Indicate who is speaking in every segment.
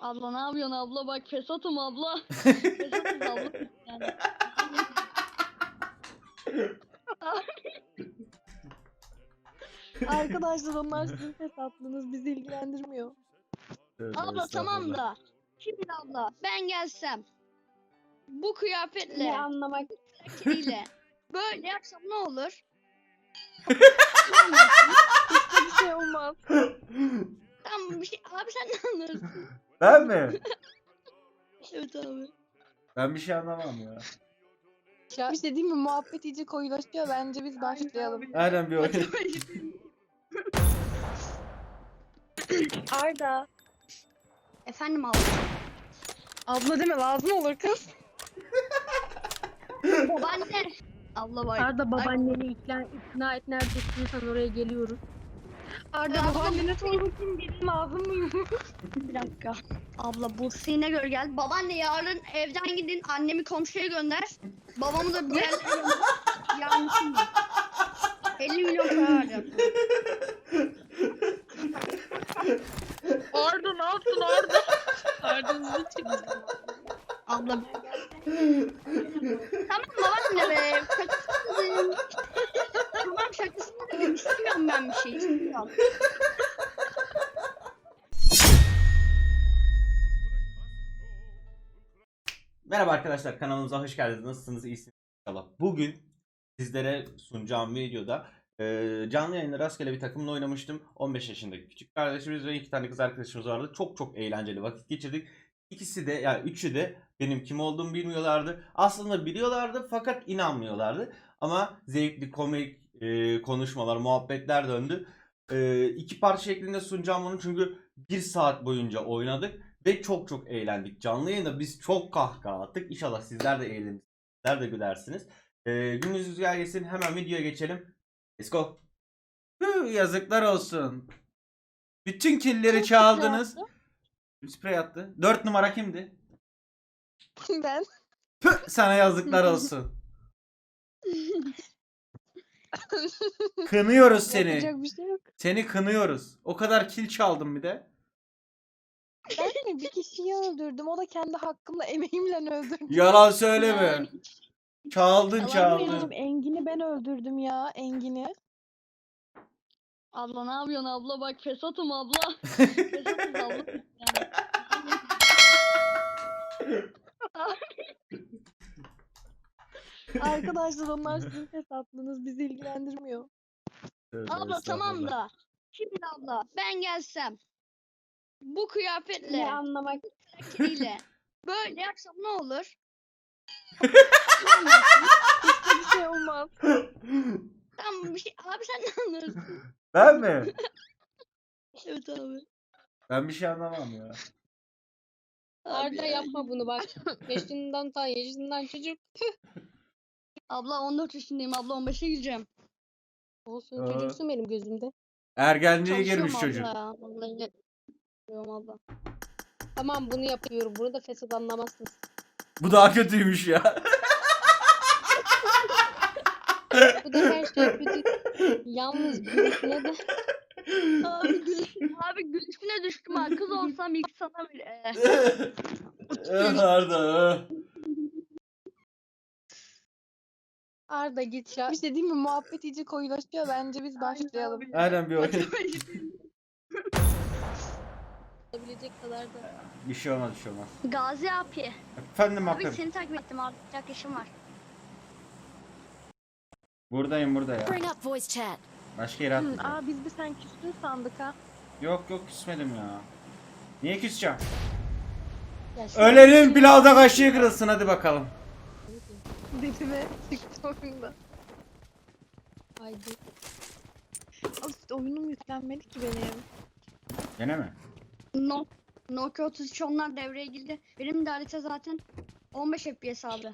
Speaker 1: Abla ne yapıyorsun abla? Bak fesatım abla. Fesatız abla. Yani.
Speaker 2: Arkadaşlar onlar sizin fesatlığınız bizi ilgilendirmiyor.
Speaker 1: Abla tamam da. Şimdi abla ben gelsem bu kıyafetle
Speaker 2: Ne anlamak?
Speaker 1: ile böyle yapsam ne olur?
Speaker 2: Hiçbir şey olmaz.
Speaker 1: Tamam bir şey. Abi sen ne anlarsın?
Speaker 3: Ben mi?
Speaker 1: Evet abi.
Speaker 3: Ben bir şey anlamam ya.
Speaker 2: Bir şey diyeyim mi? Muhabbet iyice koyulaşıyor. Bence biz başlayalım.
Speaker 3: Aynen bir oyun.
Speaker 2: Arda.
Speaker 1: Efendim abla.
Speaker 2: Abla deme lazım olur kız.
Speaker 1: Babaanne. Abla bak.
Speaker 4: Arda babaanneni ikna et, nerede istiyorsan oraya geliyoruz.
Speaker 2: Arda babaannene sor bakayım gelin lazım mıyım?
Speaker 1: Bir dakika. Abla bu gör gel. Babaanne yarın evden gidin. Annemi komşuya gönder. Babamı da bir yerlere gönder. Yarın şimdi. 50 milyon para vereceğim.
Speaker 4: Arda ne yaptın Arda? Arda'nızı çıktı.
Speaker 1: Abla. Tamam babaanne be. Şakasını. Tamam şakasını dedim. İstemiyorum ben bir şey. İstemiyorum.
Speaker 3: Merhaba arkadaşlar, kanalımıza hoş geldiniz. Nasılsınız? İyisiniz inşallah. Bugün sizlere sunacağım videoda canlı yayında rastgele bir takımla oynamıştım. 15 yaşındaki küçük kardeşimiz ve 2 tane kız arkadaşımız vardı. Çok eğlenceli vakit geçirdik. İkisi de yani üçü de benim kim olduğumu bilmiyorlardı. Aslında biliyorlardı fakat inanmıyorlardı. Ama zevkli, komik konuşmalar, muhabbetler döndü. 2 parça şeklinde sunacağım bunu çünkü 1 saat boyunca oynadık. Ve çok eğlendik. Canlı yayında biz çok kahkaha attık. İnşallah sizler de eğlenirsiniz. Sizler de gülersiniz. Gününüz güzel geçsin. Hemen videoya geçelim. Let's go. Yazıklar olsun. Bütün killeri çaldınız. Sprey attı. 4 numara kimdi?
Speaker 2: Ben.
Speaker 3: Sana yazıklar olsun. Kınıyoruz seni.
Speaker 2: Yapacak bir şey yok.
Speaker 3: Seni kınıyoruz. O kadar kil çaldım bir de.
Speaker 2: Ben mi bir kişiyi öldürdüm? O da kendi hakkımla emeğimle öldürdüm.
Speaker 3: Yalan söyleme.
Speaker 1: Yani.
Speaker 3: Çaldın
Speaker 1: Yalan
Speaker 3: çaldın.
Speaker 2: Benim Engin'i ben öldürdüm ya. Engin'i.
Speaker 1: Abla ne yapıyorsun abla? Bak fesatım abla. Fesatız abla. Yani.
Speaker 2: Arkadaşlar onlar sizin fesatlığınız bizi ilgilendirmiyor.
Speaker 1: Abla tamam da. Şimdi abla ben gelsem bu kıyafetle
Speaker 2: Ne anlamak?
Speaker 1: ile böyle yapsam ne olur?
Speaker 2: Hiçbir şey olmaz.
Speaker 1: Tamam bir şey. Abi sen ne anlarsın?
Speaker 3: Ben mi?
Speaker 1: Evet abi.
Speaker 3: Ben bir şey anlamam ya.
Speaker 4: Arda yapma bunu bak. yaşından çocuk.
Speaker 1: Abla 14 yaşındayım. Abla 15'e gireceğim.
Speaker 4: Olsun
Speaker 3: Aa.
Speaker 4: çocuksun benim gözümde.
Speaker 3: Ergenliğe
Speaker 1: Çalışıyorum
Speaker 3: girmiş
Speaker 1: abla
Speaker 3: çocuk.
Speaker 1: ya. Vallahi yapıyorum abla.
Speaker 4: Tamam bunu yapıyorum. Bunu da fesat anlamazsınız.
Speaker 3: Bu daha kötüymüş ya.
Speaker 4: Bu da her şey kötü. Yalnız gülüşüne de
Speaker 1: Abi gülüşüne düştüm ha. Kız olsam ilk sana bir
Speaker 3: Arda.
Speaker 4: Arda git ya.
Speaker 2: Bir şey diyeyim mi? Muhabbet iyice koyulaşıyor. Bence biz başlayalım.
Speaker 3: Aynen bir oyun.
Speaker 4: Yapabilecek kadar da.
Speaker 3: Bir şey olmaz, bir şey olmaz.
Speaker 1: Gazi abi.
Speaker 3: Efendim
Speaker 1: Abi
Speaker 3: bakın.
Speaker 1: seni takip ettim abi. Çok işim var.
Speaker 3: Buradayım burada ya.
Speaker 5: Bring up voice chat.
Speaker 3: Başka yere atmayacağım.
Speaker 2: Aa biz bir sen küstün sandık ha.
Speaker 3: Yok küsmedim ya. Niye küseceğim?
Speaker 4: Ya şimdi-
Speaker 3: Ölenin pilavda kaşığı kırılsın hadi bakalım.
Speaker 2: Dedime çıktı oyunda.
Speaker 4: Haydi.
Speaker 2: Of, oyunum yüklenmedi ki benim.
Speaker 3: Gene mi?
Speaker 1: Nokia 33 onlar devreye girdi. Benim de harita zaten 15 FPS abi.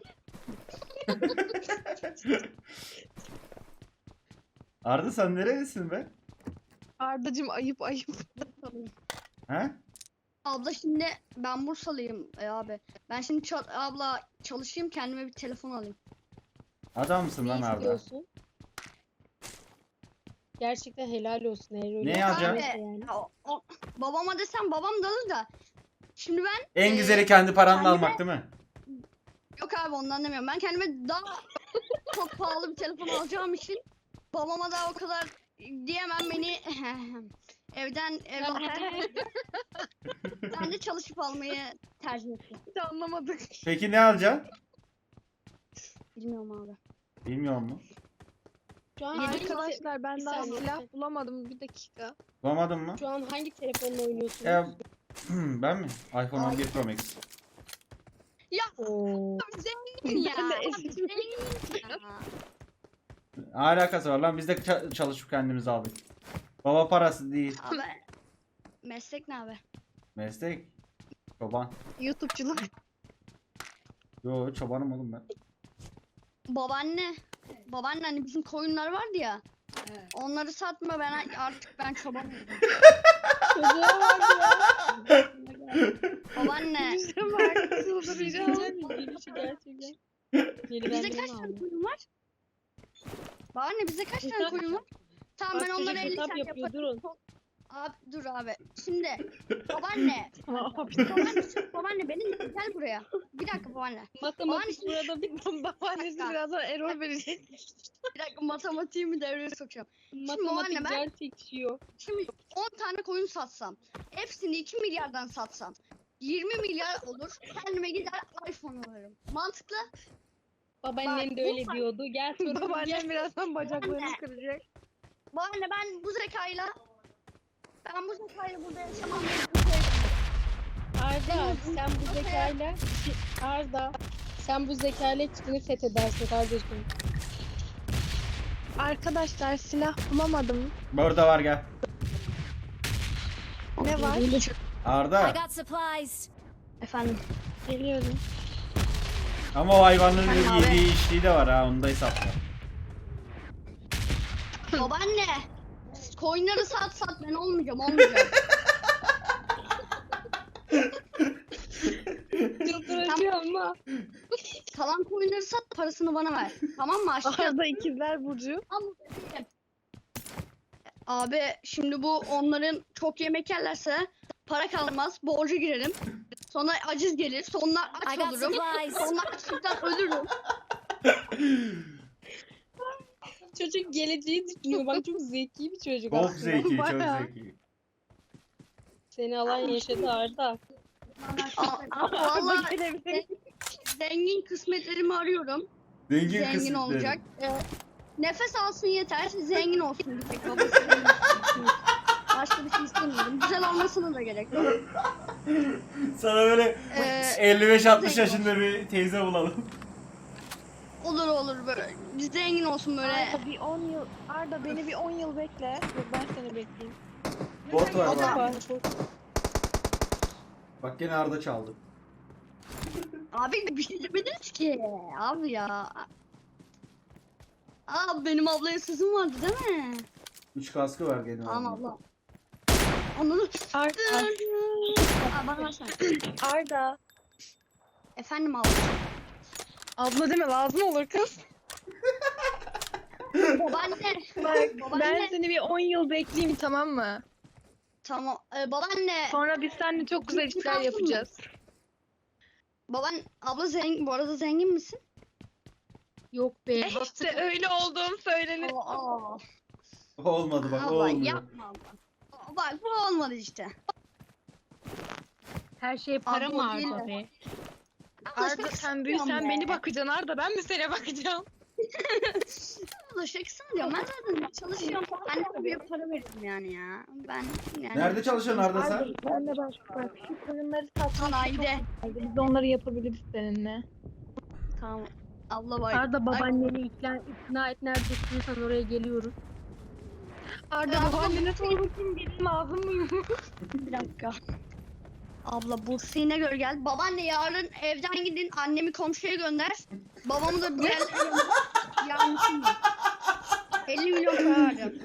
Speaker 3: Arda sen neredesin be?
Speaker 2: Ardacım ayıp.
Speaker 3: He?
Speaker 1: Abla şimdi ben Bursalıyım abi. Ben şimdi abla çalışayım kendime bir telefon alayım.
Speaker 3: Adam mısın lan
Speaker 4: Ne
Speaker 3: Arda?
Speaker 4: istiyorsun? Gerçekten helal olsun. Eğer öyle
Speaker 3: Ne yapacaksın?
Speaker 4: yaparsa
Speaker 1: Abi
Speaker 4: yani.
Speaker 1: babama desem babam da alır da Şimdi ben
Speaker 3: En güzeli kendi paranla
Speaker 1: kendime-
Speaker 3: almak değil mi?
Speaker 1: yok abi ondan demiyorum. Ben kendime daha çok pahalı bir telefon alacağım için babama da o kadar diyemem, beni evden ben de çalışıp almayı tercih ettim.
Speaker 2: Hiç anlamadık.
Speaker 3: Peki ne alacaksın?
Speaker 1: Bilmiyorum abi.
Speaker 3: Bilmiyor musun?
Speaker 4: Şu an
Speaker 2: Arkadaşlar ben
Speaker 4: Bir
Speaker 2: daha
Speaker 4: saniye.
Speaker 2: silah bulamadım. Bir dakika.
Speaker 3: Bulamadın mı?
Speaker 4: Şu an hangi telefonla oynuyorsunuz?
Speaker 3: Ben mi? iPhone 11 Pro Max.
Speaker 4: Oo.
Speaker 1: Zengin ya.
Speaker 2: Ben de
Speaker 1: Abi,
Speaker 2: eski-
Speaker 1: zengin ya.
Speaker 3: Ne alakası var lan? Biz de çalışıp kendimiz aldık. Baba parası değil.
Speaker 1: Abi meslek ne abi?
Speaker 3: Meslek. Çoban.
Speaker 2: YouTube'cular.
Speaker 3: Yo çobanım oğlum ben.
Speaker 1: Babaanne. Babaanne hani bizim koyunlar vardı ya. Onları satma, ben çoban oldum.
Speaker 4: Çocuğa bak ya.
Speaker 1: Babaanne.
Speaker 2: Bize bak. Çıldıracağım.
Speaker 4: Gelişi gerçekten. Geri
Speaker 1: Bizde
Speaker 4: benden
Speaker 1: kaç tane
Speaker 4: aldım.
Speaker 1: koyun var? Babaanne bizde kaç tane
Speaker 4: Hesap
Speaker 1: koyun var? Tamam ben
Speaker 4: Bak
Speaker 1: onları
Speaker 4: çocuk
Speaker 1: 50
Speaker 4: hesap
Speaker 1: tane
Speaker 4: yapıyor,
Speaker 1: yaparım.
Speaker 4: durun.
Speaker 1: Abi dur abi. Şimdi babaanne. babaanne benim gel buraya. Bir dakika babaanne.
Speaker 4: Matematik burada bir
Speaker 2: Babaannesi birazdan error verecek.
Speaker 1: Bir dakika matematiğimi devreye sokacağım.
Speaker 4: matematik
Speaker 1: ben-
Speaker 4: can çekişiyor.
Speaker 1: Şimdi 10 tane koyun satsam. Hepsini 2 milyardan satsam. 20 milyar olur. Kendime gider iPhone alırım. Mantıklı.
Speaker 4: Babaannen
Speaker 1: Bak,
Speaker 4: de
Speaker 1: bu
Speaker 4: öyle diyordu. Gel sorun gel.
Speaker 2: Babaannem birazdan bacaklarını
Speaker 1: Anne.
Speaker 2: kıracak.
Speaker 1: Babaanne ben bu zekayla burada yaşamam.
Speaker 4: Arda sen bu zekayla Arda sen bu zekayla çıkını fethedersin kardeşim.
Speaker 2: Arkadaşlar silah bulamadım.
Speaker 3: Burada var gel.
Speaker 2: Ne var?
Speaker 5: I
Speaker 3: Arda.
Speaker 5: got supplies.
Speaker 1: Efendim.
Speaker 2: Geliyorum.
Speaker 3: Ama o hayvanların
Speaker 1: Efendim abi?
Speaker 3: yediği içtiği de var ha, onu da hesapla.
Speaker 1: Babaanne. Koyunları sat ben olmayacağım.
Speaker 4: Çıldıracağım ama.
Speaker 1: Kalan koyunları sat, parasını bana ver. Tamam mı aşkım?
Speaker 2: Arada ikizler Burcu.
Speaker 1: Abi şimdi bu onların çok yemek yerlerse para kalmaz, borca girerim. Sonra aciz gelir, sonra
Speaker 5: I
Speaker 1: aç
Speaker 5: got
Speaker 1: olurum.
Speaker 5: supplies.
Speaker 1: Sonra açlıktan ölürüm.
Speaker 4: Çocuk geleceği düşünüyor. Bak çok zeki bir çocuk
Speaker 3: Çok
Speaker 4: aslında.
Speaker 3: zeki, çok
Speaker 2: Bayağı.
Speaker 3: zeki.
Speaker 4: Seni alan yaşadı Arda.
Speaker 1: Vallahi zengin kısmetlerimi arıyorum. Zengin
Speaker 3: kısmetleri.
Speaker 1: olacak. Nefes alsın yeter, zengin olsun. Bir tek babası zengin olsun. Başka bir şey istemiyorum. Güzel olmasına da gerek yok.
Speaker 3: Sana böyle
Speaker 1: Ee,
Speaker 3: 55-60
Speaker 1: zengin
Speaker 3: yaşında bir teyze bulalım.
Speaker 1: olur böyle. Zengin olsun böyle.
Speaker 2: Arda bir 10 yıl. Arda beni bir 10 yıl bekle. Dur ben seni bekleyeyim.
Speaker 3: Bot var
Speaker 1: O da-
Speaker 3: bak. Bak gene Arda çaldı.
Speaker 1: Abi bir şey demediniz ki. Abi ya. Aa benim ablaya sözüm vardı değil mi?
Speaker 3: 3 kaskı var gene.
Speaker 1: Tamam
Speaker 3: Arda'nın.
Speaker 1: abla. Onu
Speaker 2: Arda.
Speaker 1: Aa, bana versene.
Speaker 2: Arda.
Speaker 1: Efendim abla.
Speaker 2: Abla deme lazım olur kız.
Speaker 1: Babaanne.
Speaker 2: Bak ben
Speaker 1: Babaanne.
Speaker 2: seni bir 10 yıl bekleyeyim tamam mı?
Speaker 1: Tamam. Babaanne.
Speaker 2: Sonra biz seninle çok güzel işler
Speaker 1: Lazım mı?
Speaker 2: yapacağız.
Speaker 1: Abla zengin. Bu arada zengin misin?
Speaker 4: Yok be.
Speaker 2: İşte öyle olduğum söylenir.
Speaker 1: Aa.
Speaker 3: Olmadı bak, o
Speaker 1: Abla
Speaker 3: olmuyor.
Speaker 1: yapma abla. Bak bu olmadı işte.
Speaker 4: Her şey para
Speaker 1: Abla
Speaker 4: mı
Speaker 1: o değil
Speaker 4: Arda
Speaker 1: de.
Speaker 4: be?
Speaker 1: Abla
Speaker 2: Arda
Speaker 1: şaka
Speaker 2: sen
Speaker 1: yapıyorum
Speaker 2: büyüsen
Speaker 1: be.
Speaker 2: beni bakacaksın Arda ben mi sana bakacağım?
Speaker 1: Abla şakasını diyorum. Ben zaten çalışıyorum. Anneme bir para veririm yani ya. Ben yani.
Speaker 3: Nerede çalışıyorsun Arda sen?
Speaker 2: Ben de bak şu koyunları satmak
Speaker 1: Sanayide.
Speaker 2: biz onları yapabiliriz seninle.
Speaker 1: Tamam. Abla bak.
Speaker 4: Arda babaanneni ikna et, nerede istiyorsan oraya geliyoruz.
Speaker 2: Arda
Speaker 1: Abla,
Speaker 2: babaannene sor bakayım benim lazım mıyım?
Speaker 1: Bir dakika. Abla Bursa'ya göre gel. Babaanne yarın evden gidin. Annemi komşuya gönder. Babamı da bir yerlere gönder. Yani şimdi. 50 milyon para vereceğim.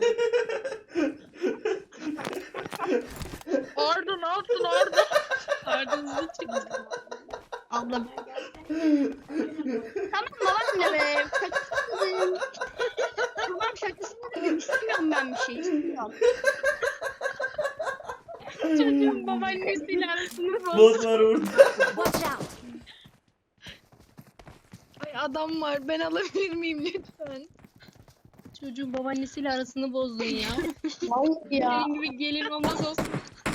Speaker 2: Arda ne yaptın Arda?
Speaker 4: Arda hızlı çıktı.
Speaker 1: Abla. Tamam babaanne be. Şakasını dedim. Tamam şakasını dedim. İstemiyorum ben bir şey. İstemiyorum.
Speaker 4: Çocuğun babaannesiyle arasını bozdu.
Speaker 3: Botlar vurdu.
Speaker 5: Watch out!
Speaker 2: Ay adam var. Ben alabilir miyim lütfen?
Speaker 4: Çocuğun babaannesiyle arasını bozdun ya.
Speaker 1: Vallahi ya.
Speaker 4: Senin gibi gelin olmaz olsun.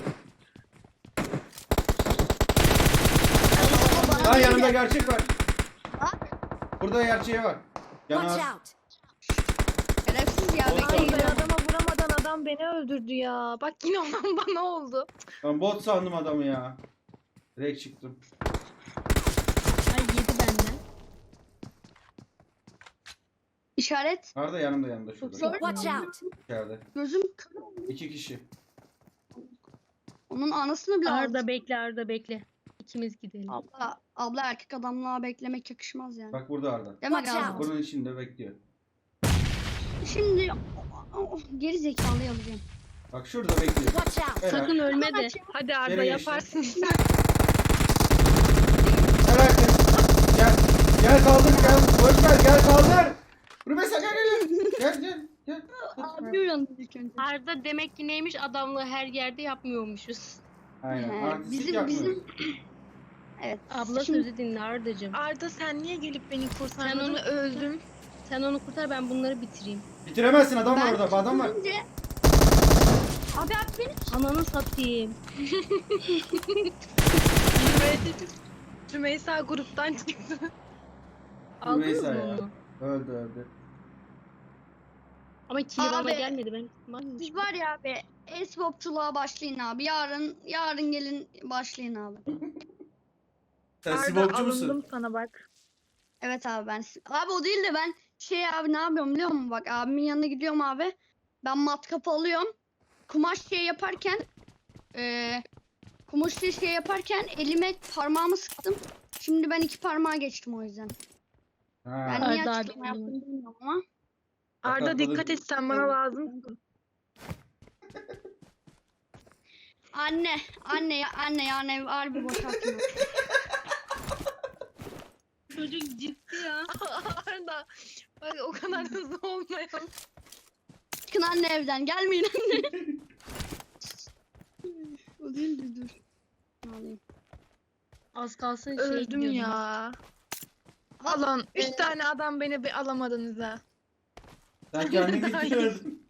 Speaker 3: Lan yanımda gerçek var. Burada gerçeği var.
Speaker 5: Watch
Speaker 3: Yanar.
Speaker 5: out!
Speaker 1: Şerefsiz ya.
Speaker 3: Bot
Speaker 2: Ay
Speaker 1: Bekleyin.
Speaker 2: ben adama vuramadan adam beni öldürdü ya. Bak yine olan bana oldu.
Speaker 3: Ben bot sandım adamı ya. Direkt çıktım.
Speaker 4: Ay yedi benden.
Speaker 1: İşaret.
Speaker 3: Arda yanımda şurada.
Speaker 5: Watch out!
Speaker 3: İçeride.
Speaker 1: Gözüm
Speaker 3: 2 kişi.
Speaker 1: onun anasını bile aldı.
Speaker 4: Arda bekle. İkimiz gidelim.
Speaker 1: Abla erkek adamla beklemek yakışmaz yani.
Speaker 3: Bak burada Arda.
Speaker 1: Değil mi
Speaker 5: Watch
Speaker 1: Arda?
Speaker 5: out.
Speaker 3: Bunun içinde bekliyor.
Speaker 1: Şimdi geri zekalıyı alacağım.
Speaker 3: Bak şurada bekliyor.
Speaker 5: Watch out!
Speaker 3: Helal.
Speaker 4: Sakın ölme de.
Speaker 2: Hadi Arda
Speaker 3: Nereye geçti?
Speaker 2: yaparsın.
Speaker 3: Helal kız. Gel kaldır gel. Boş ver gel kaldır. Rümeysa gel.
Speaker 1: Abi uyandı ilk önce.
Speaker 4: Arda demek ki neymiş adamlığı her yerde yapmıyormuşuz.
Speaker 3: Aynen.
Speaker 1: He,
Speaker 3: Artistik
Speaker 1: bizim evet.
Speaker 4: Abla
Speaker 1: Şimdi-
Speaker 4: sözü dinle Ardacığım.
Speaker 2: Arda sen niye gelip beni kurtardın?
Speaker 4: Sen onu-
Speaker 2: öldüm.
Speaker 4: Sen onu kurtar ben bunları bitireyim.
Speaker 3: Bitiremezsin adam var
Speaker 1: Ben
Speaker 3: orada. Adam var.
Speaker 1: önce- Abi beni
Speaker 4: Ananı satayım.
Speaker 2: Rümeysa gruptan çıktı.
Speaker 4: Aldınız
Speaker 3: Rümeysa
Speaker 4: mı
Speaker 3: ya.
Speaker 4: onu?
Speaker 3: Öldü.
Speaker 4: Ama kili bana
Speaker 1: Abi,
Speaker 4: gelmedi ben. Varmış.
Speaker 1: Biz var ya abi e-sporçuluğa başlayın abi. Yarın gelin başlayın abi.
Speaker 3: Sen
Speaker 2: Arda
Speaker 3: sibopçu musun?
Speaker 2: alındım sana bak.
Speaker 1: Evet abi abi o değil de ben abi ne yapıyorum biliyor musun? Bak abimin yanına gidiyorum abi. Ben matkap alıyorum. Kumaş yaparken elime parmağımı sıktım. Şimdi ben 2 parmağa geçtim o yüzden.
Speaker 3: Ha.
Speaker 1: Ben niye
Speaker 4: Arda abi
Speaker 1: açıklama yaptım bilmiyorum ama.
Speaker 2: Arda
Speaker 3: Bakalım.
Speaker 2: dikkat et sen bana lazımsın.
Speaker 1: Anne yani harbi boşaltma.
Speaker 4: Çocuk ciddi ya.
Speaker 2: Arda bak o kadar hızlı olmayalım.
Speaker 1: Çıkın anne evden gelmeyin anne. O değil de dur. Ne alayım?
Speaker 4: Az kalsın
Speaker 2: Öldüm
Speaker 4: gidiyordum.
Speaker 2: ya. Alın 3 tane adam beni bir alamadınız ha.
Speaker 3: Sen kendin gittin.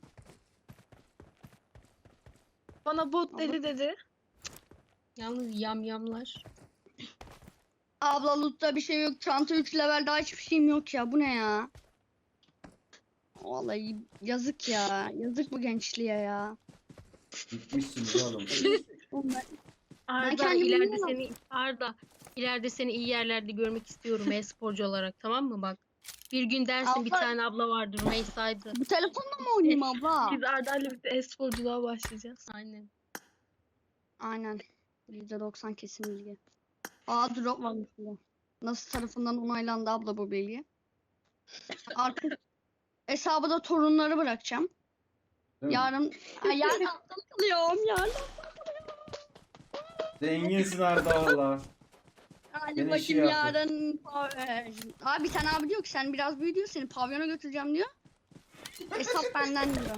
Speaker 2: Bana bot dedi.
Speaker 4: Yalnız yamyamlar.
Speaker 1: Abla loot'ta bir şey yok. Çanta 3 level daha hiçbir şeyim yok ya. Bu ne ya? Vallahi yazık ya. Yazık bu gençliğe ya.
Speaker 3: Gitmişsiniz oğlum.
Speaker 1: Oğlum
Speaker 4: Arda
Speaker 1: kendimi
Speaker 4: ileride seni iyi yerlerde görmek istiyorum e-sporcu olarak, tamam mı bak. Bir gün dersin bir
Speaker 1: Abla-
Speaker 4: tane abla vardır Rümeysa'ydı.
Speaker 1: Bu telefonla mı oynayayım abla?
Speaker 2: Biz Arda'yla birlikte e-sporculuğa başlayacağız.
Speaker 4: Aynen.
Speaker 1: Aynen. %90 kesin bilgi. Drop var mesela. Nasıl tarafından onaylandı abla bu bilgi? Artık hesabı da torunları bırakacağım.
Speaker 3: Değil mi?
Speaker 1: Yarın atlıyorum yarın.
Speaker 3: Zenginsin Arda valla.
Speaker 1: Hadi
Speaker 3: Beni işi
Speaker 1: bakayım
Speaker 3: yaptı.
Speaker 1: yarın. Abi bir tane abi diyor ki sen biraz büyü diyor, seni pavyona götüreceğim diyor. Hesap benden diyor.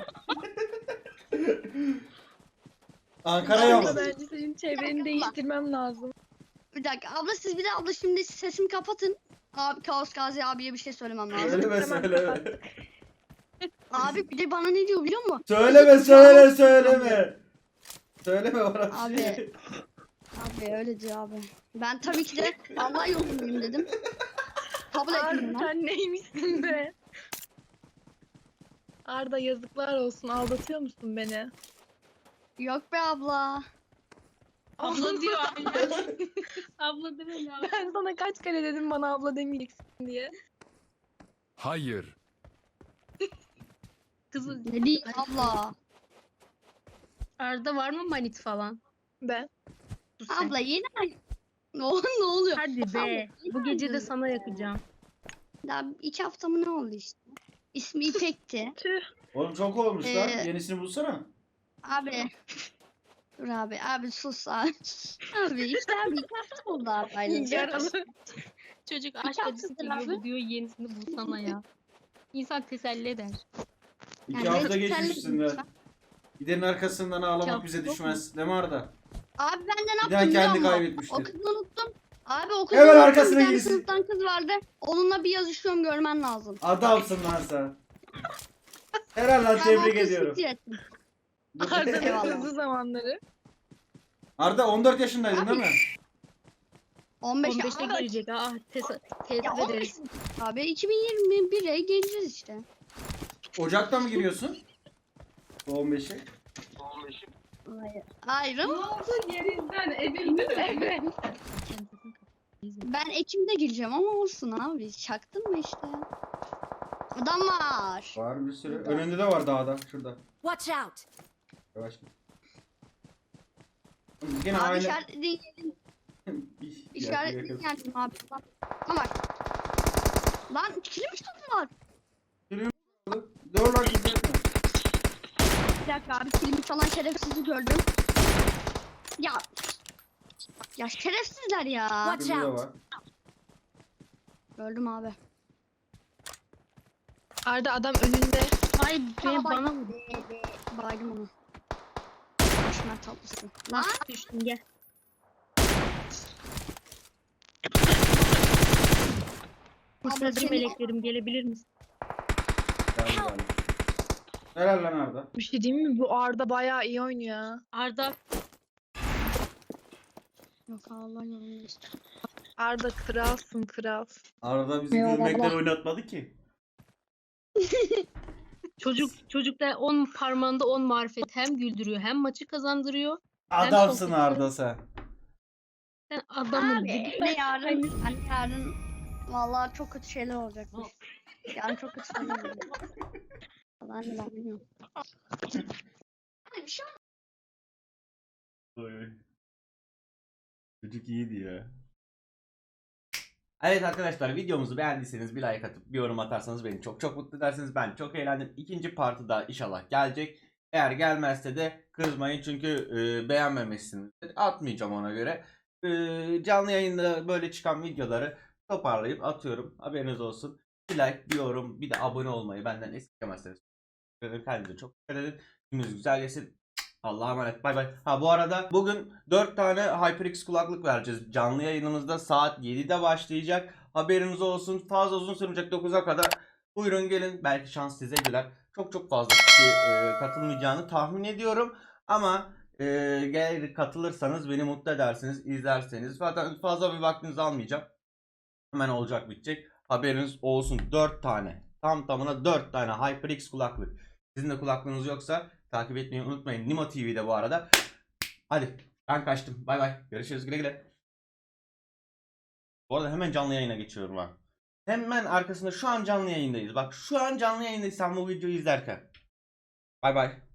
Speaker 3: Ankara yolu.
Speaker 2: Arda bence senin çevreni değiştirmem lazım.
Speaker 1: Bir dakika abla siz bir de abla şimdi sesimi kapatın. Abi Kaos Gazi abiye bir şey söylemem lazım.
Speaker 3: Söyleme.
Speaker 1: Abi bir de bana ne diyor biliyor musun?
Speaker 3: Söyleme. Söyleme orası.
Speaker 1: Abi öyle diyor abi. Ben tabii ki de Allah yolundayım dedim. Kabul ettim
Speaker 2: Arda
Speaker 1: ben.
Speaker 2: sen neymişsin be? Arda yazıklar olsun, aldatıyor musun beni?
Speaker 1: Yok be abla.
Speaker 4: Abla diyor abla. Abla deme ya.
Speaker 2: Ben sana kaç kere dedim bana abla demeyeceksin diye.
Speaker 6: Hayır.
Speaker 4: Kızı
Speaker 1: Ne diyeyim abla.
Speaker 4: Arda var mı manit falan?
Speaker 2: Ben.
Speaker 4: Sus sen.
Speaker 1: Abla yine ne oluyor?
Speaker 4: Hadi be.
Speaker 1: Abla,
Speaker 4: Bu gece de
Speaker 1: yine
Speaker 4: sana yakacağım.
Speaker 1: Daha 2 hafta mı ne oldu işte? İsmi İpek'ti.
Speaker 2: Tüh.
Speaker 3: Oğlum çok olmuş lan.
Speaker 1: Ee,
Speaker 3: Yenisini bulsana.
Speaker 1: Abi. Dur abi sus abi. Abi işte abi 2 hafta oldu abi.
Speaker 2: Yaralı.
Speaker 4: Çocuk
Speaker 1: İki
Speaker 4: aşk acısı
Speaker 1: haftadır
Speaker 4: çekiyor
Speaker 1: abi.
Speaker 4: diyor yenisini bulsana ya. İnsan teselli eder.
Speaker 3: 2
Speaker 1: Yani
Speaker 3: hafta
Speaker 1: reçeteller
Speaker 3: geçmiş üstünden.
Speaker 1: lütfen.
Speaker 3: Gidenin arkasından ağlamak
Speaker 4: Çabuk
Speaker 3: bize
Speaker 4: mu?
Speaker 3: düşmez. Değil mi Arda?
Speaker 1: Abi ben de ne
Speaker 3: Bir daha
Speaker 1: yaptım biliyor
Speaker 3: kendi
Speaker 1: musun?
Speaker 3: kaybetmiştir.
Speaker 1: O kızı unuttum. Abi o kızı
Speaker 3: Hemen
Speaker 1: unuttum.
Speaker 3: arkasına
Speaker 1: Bir tane
Speaker 3: girsin.
Speaker 1: sınıftan kız vardı. Onunla bir yazışıyorum, görmen lazım.
Speaker 3: Adamsın lan sen. Helal lan,
Speaker 1: Ben o
Speaker 3: tebrik
Speaker 1: kızı
Speaker 3: ediyorum.
Speaker 1: siktir ettim.
Speaker 2: Arda'nın
Speaker 1: Eyvallah.
Speaker 2: hızlı zamanları.
Speaker 3: Arda 14 yaşındaydın değil mi?
Speaker 1: 15
Speaker 4: 15'te
Speaker 1: Abi,
Speaker 4: gelecek. Ah,
Speaker 1: ya
Speaker 4: tezif
Speaker 1: 15
Speaker 4: ederiz.
Speaker 1: Abi 2021'e geleceğiz işte.
Speaker 3: Ocak'ta mı giriyorsun? Bu 15'e.
Speaker 1: Hayır. Hayır ama
Speaker 2: Yerinden edildi mi?
Speaker 1: ben Ekim'de gireceğim ama olsun abi. Çaktın mı işte? Adam var.
Speaker 3: Var bir sürü. Önünde de var dağda. Şurada.
Speaker 5: Watch out!
Speaker 3: Yavaş. Yine
Speaker 1: Abi
Speaker 3: aynı.
Speaker 1: işaretlediğin yerin, işaretlediğin yerin abi. Ama bak. Lan kilim var.
Speaker 3: Dur lan, gizletme.
Speaker 1: Bir dakika abi, kilimi çalan şerefsizi gördüm. Ya. Ya şerefsizler ya.
Speaker 5: Watch
Speaker 3: Şurada
Speaker 5: out!
Speaker 3: var.
Speaker 1: Gördüm abi.
Speaker 2: Arda adam önünde.
Speaker 4: Ay be bana mı?
Speaker 1: Baydım onu. Başına tatlısı. Lan.
Speaker 4: Düştün gel.
Speaker 1: Abla
Speaker 4: Sözüm
Speaker 1: seni-
Speaker 4: meleklerim gelebilir misin?
Speaker 3: Geldi, geldi. Helal lan Arda.
Speaker 2: Bir şey diyeyim mi? Bu Arda bayağı iyi oynuyor ya.
Speaker 4: Arda
Speaker 1: Yok Allah yolunu
Speaker 2: Arda kralsın kral.
Speaker 3: Arda bizi
Speaker 1: Eyvallah.
Speaker 3: gülmekten oynatmadı ki.
Speaker 4: çocukta 10 parmağında 10 marifet, hem güldürüyor hem maçı kazandırıyor.
Speaker 3: Adamsın
Speaker 4: sohbeti-
Speaker 3: Arda sen.
Speaker 4: Sen adamın
Speaker 1: Abi
Speaker 4: gibi.
Speaker 1: anne yarın vallahi çok kötü şeyler olacakmış. Yarın çok kötü şeyler olacak. Ben de ben bilmiyorum. Abi bir şey
Speaker 3: Çocuk iyiydi ya. Evet arkadaşlar, videomuzu beğendiyseniz bir like atıp bir yorum atarsanız beni çok çok mutlu edersiniz. Ben çok eğlendim. İkinci partı da inşallah gelecek. Eğer gelmezse de kızmayın çünkü beğenmemişsiniz. Atmayacağım ona göre. Canlı yayında böyle çıkan videoları toparlayıp atıyorum. Haberiniz olsun. Bir like, bir yorum, bir de abone olmayı benden esirgemezseniz. Kendinize çok dikkat edin. Gününüz güzel geçsin. Allah'a emanet. Bay bay. Ha bu arada bugün 4 tane HyperX kulaklık vereceğiz. Canlı yayınımızda saat 7'de başlayacak. Haberiniz olsun. Fazla uzun sürmeyecek, 9'a kadar. Buyurun gelin. Belki şans size güler. Çok çok fazla kişi katılmayacağını tahmin ediyorum. Ama eğer katılırsanız beni mutlu edersiniz. İzlerseniz. Zaten fazla bir vaktinizi almayacağım. Hemen olacak, bitecek. Haberiniz olsun. 4 tane. Tam tamına 4 tane HyperX kulaklık. Sizin de kulaklığınız yoksa takip etmeyi unutmayın. Nimo TV'de bu arada. Hadi ben kaçtım. Bay bay. Görüşürüz, güle güle. Bu arada hemen canlı yayına geçiyorum ha. Hemen arkasında şu an canlı yayındayız. Bak şu an canlı yayındayız sen bu videoyu izlerken. Bay bay.